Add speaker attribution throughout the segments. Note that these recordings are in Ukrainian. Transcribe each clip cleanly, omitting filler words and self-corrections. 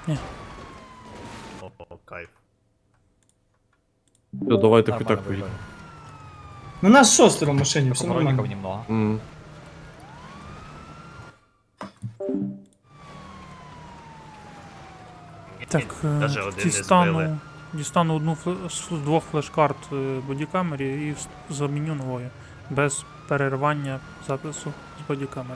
Speaker 1: Ні.
Speaker 2: О, кайф.
Speaker 3: Все, давайте хоч
Speaker 4: Нормально
Speaker 3: так поїдемо.
Speaker 4: виглядає.
Speaker 5: Ну нас шестеро в машине, все
Speaker 4: Поворотников
Speaker 5: нормально.
Speaker 4: немного.
Speaker 1: Так,
Speaker 2: Даже один не збили.
Speaker 1: дістану одну з двох флеш-карт бодікамері і заміню новою. Без перервання запису з бодікамери.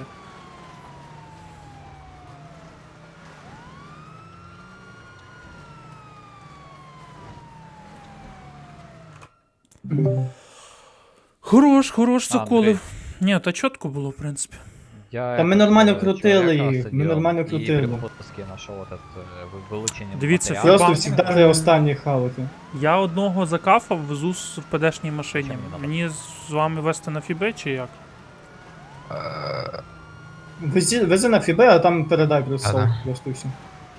Speaker 1: Хорош, заколив. Ні, та чітко було, в принципі.
Speaker 4: Я
Speaker 5: Та ми
Speaker 4: этот,
Speaker 5: нормально
Speaker 4: человека
Speaker 5: крутили їх, ми
Speaker 4: сидел
Speaker 5: нормально
Speaker 4: и
Speaker 5: крутили.
Speaker 4: при попуске нашел этот вылучение
Speaker 1: Дивіться,
Speaker 4: материала.
Speaker 5: Просто
Speaker 1: Хіба-
Speaker 5: всегда для останніх хавати.
Speaker 1: Я одного закафав, везу в ПДшній машині.
Speaker 4: Зачем мені надо?
Speaker 1: Мені з вами вести на фібе чи як?
Speaker 5: Вези на фібе, а там передай просто, просто все.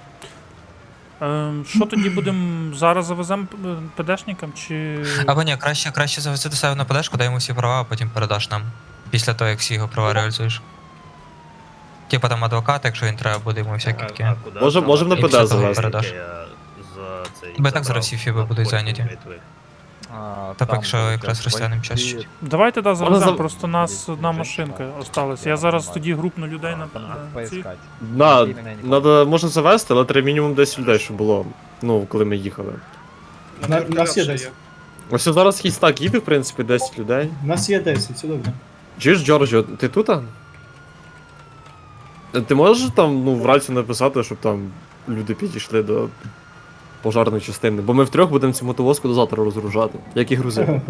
Speaker 1: Що тоді будемо зараз завеземо ПДшникам чи.
Speaker 6: Або ні, краще завести до себе на подешку, дай йому всі права, а потім передаш нам. Після того, як всі його права реалізуєш. Типа там адвокат, якщо він треба буде йому всякі такі.
Speaker 2: куди
Speaker 3: Можем на
Speaker 2: ставити?
Speaker 6: ПД
Speaker 2: Якщо
Speaker 6: завести.
Speaker 2: таке, я за цей
Speaker 6: Бо і так
Speaker 2: забрав
Speaker 6: зараз всі фіби
Speaker 2: на
Speaker 6: будуть
Speaker 2: потім
Speaker 6: зайняті.
Speaker 2: митвих.
Speaker 6: Та
Speaker 4: Там
Speaker 6: поки що
Speaker 4: будет
Speaker 6: якраз розтягнемо час
Speaker 4: войти.
Speaker 6: чуть.
Speaker 1: Давайте да,
Speaker 3: Можна
Speaker 1: завеземо,
Speaker 3: зав-
Speaker 1: просто нас
Speaker 4: Или
Speaker 1: одна
Speaker 4: женщина.
Speaker 1: машинка осталась. Я
Speaker 4: Я
Speaker 1: зараз
Speaker 4: понимаю.
Speaker 1: тоді групну людей на
Speaker 4: Там
Speaker 1: ці.
Speaker 4: надо поискать.
Speaker 3: На,
Speaker 4: Именно я не помню.
Speaker 3: надо, можна завести, але треба мінімум 10 людей, щоб було. Ну, коли ми їхали.
Speaker 5: На всі 10.
Speaker 3: Ось зараз хістак їде, в принципі, 10 людей.
Speaker 5: У нас є 10, все добре.
Speaker 3: Чуєш, Джорджо, ти тут? Ти можеш там, ну, в раці написати, щоб там люди підійшли до пожарної частини? Бо ми втрьох будемо цю мотовозку до завтра розгружати. Як і грузити.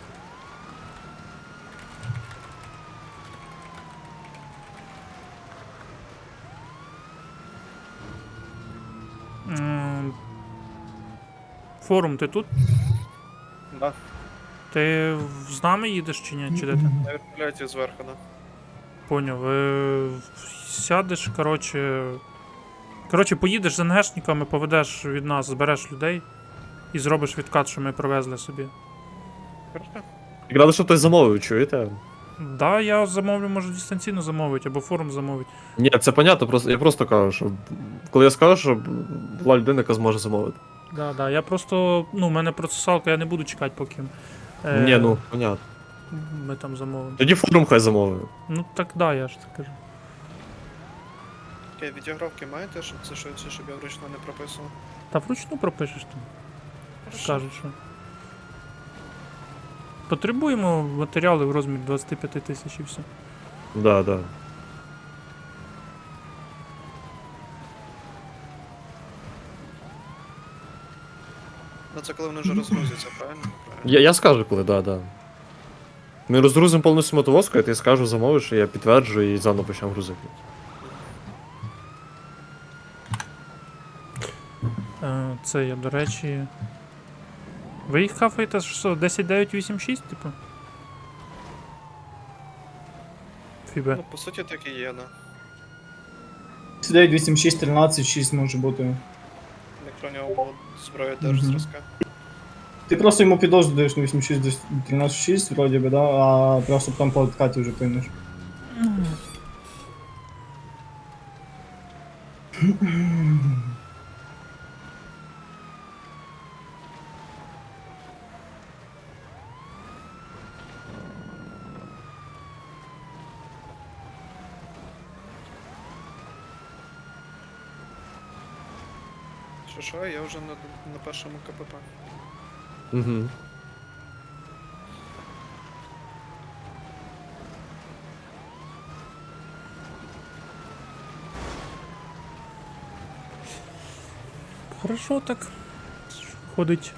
Speaker 1: Форум, ти тут?
Speaker 7: Да,
Speaker 1: Ти з нами їдеш чи ні? Чи де ти?
Speaker 7: на вертольоті зверху, да.
Speaker 1: Поняв. Сядеш, коротше, поїдеш з НГшниками, поведеш від нас, збереш людей і зробиш відкат, що ми привезли собі.
Speaker 7: Хорошо.
Speaker 3: Якраз, щоб хтось замовив, чуєте?
Speaker 1: Да, я замовлю, може дистанційно замовити, або форум замовить.
Speaker 3: Ні, це понятно, просто, я просто кажу, що коли я скажу, що була людина, яка зможе замовити.
Speaker 1: Да, я просто, ну, в мене процесалка, я не буду чекати, поки
Speaker 3: Ні, ну, понятно.
Speaker 1: ми там замовимо.
Speaker 3: Тоді форум хай замовив.
Speaker 1: Ну так да, я ж так кажу.
Speaker 7: Окей, відеографки маєте, щоб це швидше, щоб я вручну не прописував?
Speaker 1: Та вручну пропишеш там. Скажуть, що. Потребуємо матеріали в розмірі 25 тисяч і все.
Speaker 3: Да, да.
Speaker 7: Ну це коли вони вже розгрузяться, правильно?
Speaker 3: Я скажу, коли, да, да. Ми розгрузимо повністю мотовозку, я тобі скажу, замовиш, і я підтверджую і заново почнемо грузити.
Speaker 1: Це я, до речі. Ви їх хафаєте що, 10986, типу? Фібе.
Speaker 7: Ну, по суті, так і є, да.
Speaker 5: 9, 8, 6, 13, 6 може бути.
Speaker 7: Якщо у нього була зброя теж зразка.
Speaker 5: Ти просто йому підозру даєш на 8, 6, 13, 6, вроді би, да? А просто там по откаті вже поймеш.
Speaker 7: Що, я вже на першому КПП.
Speaker 3: Угу.
Speaker 1: Хорошо так. Ходить.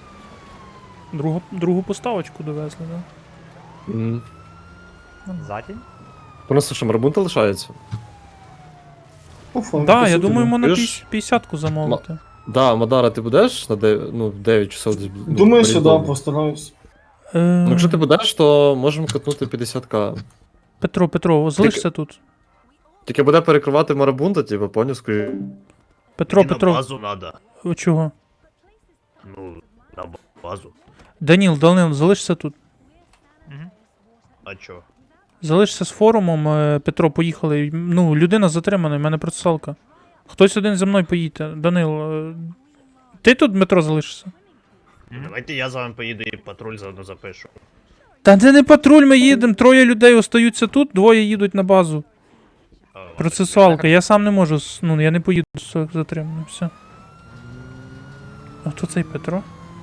Speaker 1: Другу поставочку довезли, да?
Speaker 3: Угу.
Speaker 4: За день?
Speaker 3: Просто що, марбунта лишається?
Speaker 5: По факту,
Speaker 1: Да,
Speaker 5: по
Speaker 1: я
Speaker 5: суті,
Speaker 1: думаю,
Speaker 5: да.
Speaker 1: можна
Speaker 3: Ти ж-
Speaker 1: 50-ку замовити.
Speaker 3: Да, Мадара, ти будеш на 9 часов? Ну,
Speaker 5: Думаю, що да,
Speaker 3: орієнтовно?
Speaker 5: постараюсь.
Speaker 3: Ну, якщо ти будеш, то можемо катнути 50к.
Speaker 1: Петро, залишся тут.
Speaker 3: Тільки буде перекривати марабунта, типу, поняв, скажи.
Speaker 1: Петро,
Speaker 2: Мені на базу надо.
Speaker 1: чого?
Speaker 2: Ну, на базу.
Speaker 1: Данил, залишся тут.
Speaker 2: А чо?
Speaker 1: Залишся з форумом, Петро, поїхали. Ну, людина затримана, в мене процесалка. Хтось один зі мною поїде. Данил, ти тут, Дмитро, залишишся?
Speaker 2: Давайте я з вами поїду і патруль заодно запишу.
Speaker 1: Та це не патруль, ми їдемо. 3 людей остаються тут, 2 їдуть на базу.
Speaker 2: А, ладно.
Speaker 1: Процесуалка, я сам не можу, ну я не поїду з затриманим, все. А хто цей Петро?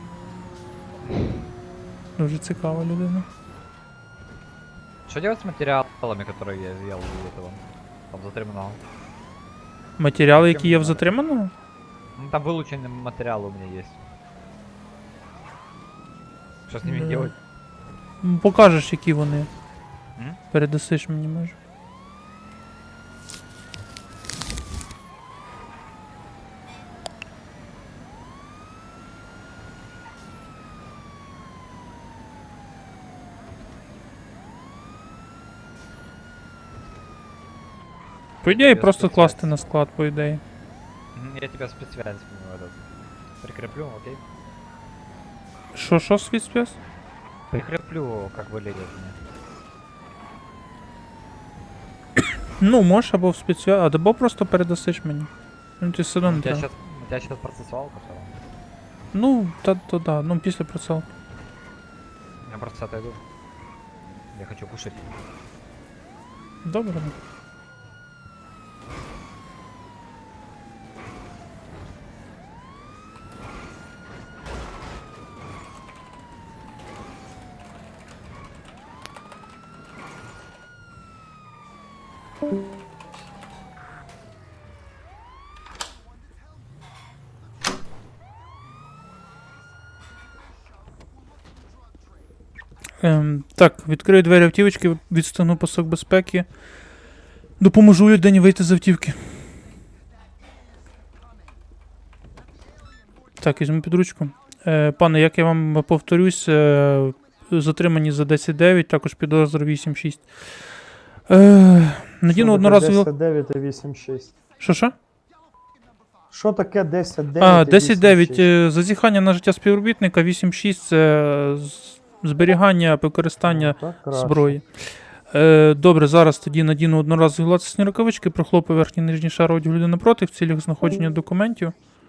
Speaker 1: Дуже цікава людина.
Speaker 4: Что делать с материалами, которые я изъял у этого? Там затриманного.
Speaker 1: Матеріали, які є в затриманому?
Speaker 4: Ну там вылученный материал у меня есть. Что с ними
Speaker 1: Да.
Speaker 4: делать?
Speaker 1: Покажеш, які вони.
Speaker 4: М?
Speaker 1: Передасиш мені, може. По ідеї,
Speaker 4: Без
Speaker 1: просто
Speaker 4: спецсвязі.
Speaker 1: класти на склад, по ідеї.
Speaker 4: Я тебя спецсвязь этот прикреплю, окей?
Speaker 1: Що, спецспец?
Speaker 4: Прикреплю, как вылезет мне.
Speaker 1: Ну, можеш або в спецсвязь, або просто передасиш мені. Ну, ти все одно не
Speaker 4: У тебя
Speaker 1: треба.
Speaker 4: сейчас процессуалка в целом.
Speaker 1: Ну, то да, ну після процесуалки.
Speaker 4: Я просто отойду. Я хочу кушать.
Speaker 1: Добре. Так, відкрию двері автівочки, відстану пасок безпеки. Допоможу людині вийти з автівки. Так, візьму під ручку. Пане, як я вам повторюсь, затримані за 10-9, також підозра 8-6. Надіну одноразові...
Speaker 8: 10-9 і 8-6.
Speaker 1: Що?
Speaker 8: Що таке 10-9
Speaker 1: А,
Speaker 8: і 8-6?
Speaker 1: 10-9. Зазіхання на життя співробітника, 8-6 це зберігання, використання
Speaker 8: Так, краще.
Speaker 1: зброї. Добре, зараз тоді надіну одноразові латексні рукавички, прохлопаю верхній і нижній шар одягу людини напроти в цілях знаходження документів.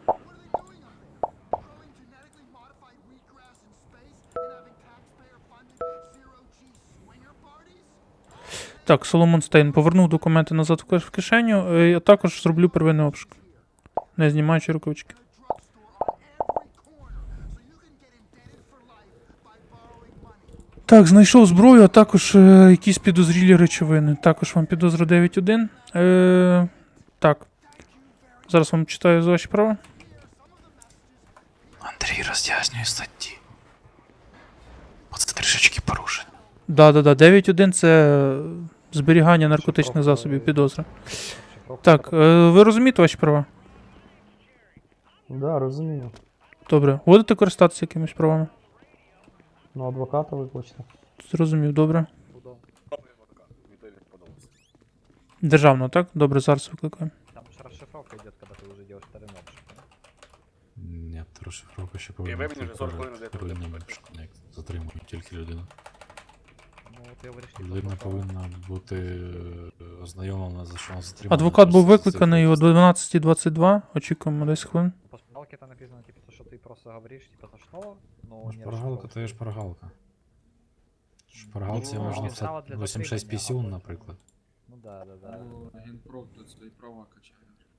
Speaker 1: Так, Соломон Стейн повернув документи назад в кишеню, а також зроблю первинний обшук, не знімаючи рукавички. Так, знайшов зброю, а також якісь підозрілі речовини. Також вам підозра 9.1. Так. Зараз вам читаю за ваші права.
Speaker 9: Андрій роз'яснює статті. Бо це трішечки порушень.
Speaker 1: Да. 9.1 це зберігання наркотичних засобів, підозра. Так, ви розумієте ваші права?
Speaker 8: Да, розумію.
Speaker 1: Добре. Будете користатися якимись правами?
Speaker 8: Ну, адвоката викличте.
Speaker 1: Зрозумів, добре. Державно, так? Добре, зараз викликаємо.
Speaker 4: Там же расшифровка идет, когда ты уже делаешь вторым обшуком.
Speaker 9: Ні, розшифровка ще повинна бути первинним обшуком, як затримують тільки людину.
Speaker 4: Ну, ты говоришь, типа,
Speaker 9: Людина
Speaker 4: что-
Speaker 9: повинна бути ознайомлена, за що вона затримана.
Speaker 1: Адвокат був
Speaker 9: просто
Speaker 1: викликаний о 12:22. Очікуємо 10 хвилин.
Speaker 4: По шпаргалке там написано, типа, то, что ты просто говоришь, типа, то что, но не
Speaker 9: Шпаргалка то є
Speaker 4: расшифровываешь.
Speaker 9: шпаргалка. В шпаргалці
Speaker 4: Ну,
Speaker 9: можна
Speaker 4: підстава
Speaker 9: писати
Speaker 4: для
Speaker 9: 86
Speaker 4: затримання,
Speaker 9: пісюн,
Speaker 4: або-
Speaker 9: наприклад.
Speaker 4: Ну да.
Speaker 10: Генпром тут свої права качає.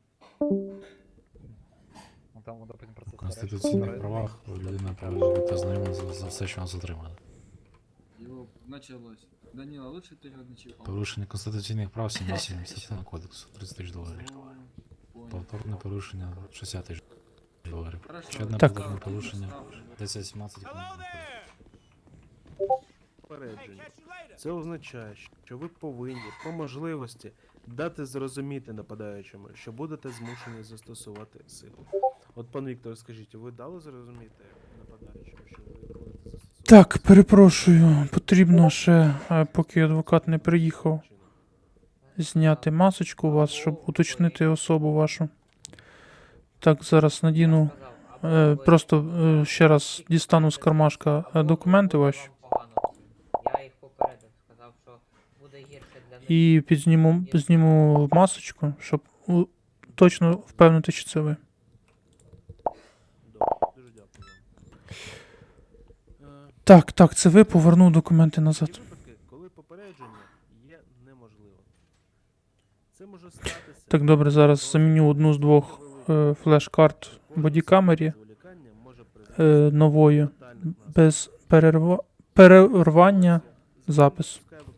Speaker 4: Ну там, вот, допустим, процесс.
Speaker 9: В конституційних правах людина повинна бути ознайомлена за все, що вона затримана.
Speaker 10: Його почалось. Данила, лучше ти його не чіпав.
Speaker 9: Порушення конституційних прав 77 кодексу, 30 тисяч доларів.
Speaker 10: Понял.
Speaker 9: Повторне порушення 60 тисяч доларів.
Speaker 10: Хорошо.
Speaker 9: Ще одне
Speaker 1: Так.
Speaker 9: повторне порушення 10-17 кримінального кодексу.
Speaker 11: Попередження. Це означає, що ви повинні по можливості дати зрозуміти нападаючому, що будете змушені застосувати силу. От, пан Віктор, скажіть, ви дали зрозуміти нападаючому, що ви будете застосовувати?
Speaker 1: Так, перепрошую, потрібно ще, поки адвокат не приїхав, зняти масочку у вас, щоб уточнити особу вашу. Так, зараз надіну, просто ще раз дістану з кармашка документи ваші
Speaker 12: Я їх попередив, сказав, що буде гірше для них.
Speaker 1: і зніму масочку, щоб точно впевнити, що це ви.
Speaker 11: Добре, дуже дякую вам.
Speaker 1: Так, це ви, повернув документи
Speaker 11: Є
Speaker 1: назад.
Speaker 11: випадки, коли попередження є неможливим. Це може статися.
Speaker 1: Так, добре, зараз заміню одну з двох флеш-карт бодікамері
Speaker 11: Зволікання може призвести до
Speaker 1: новою,
Speaker 11: фатальних наслідків.
Speaker 1: без перервання запису.
Speaker 11: Запис.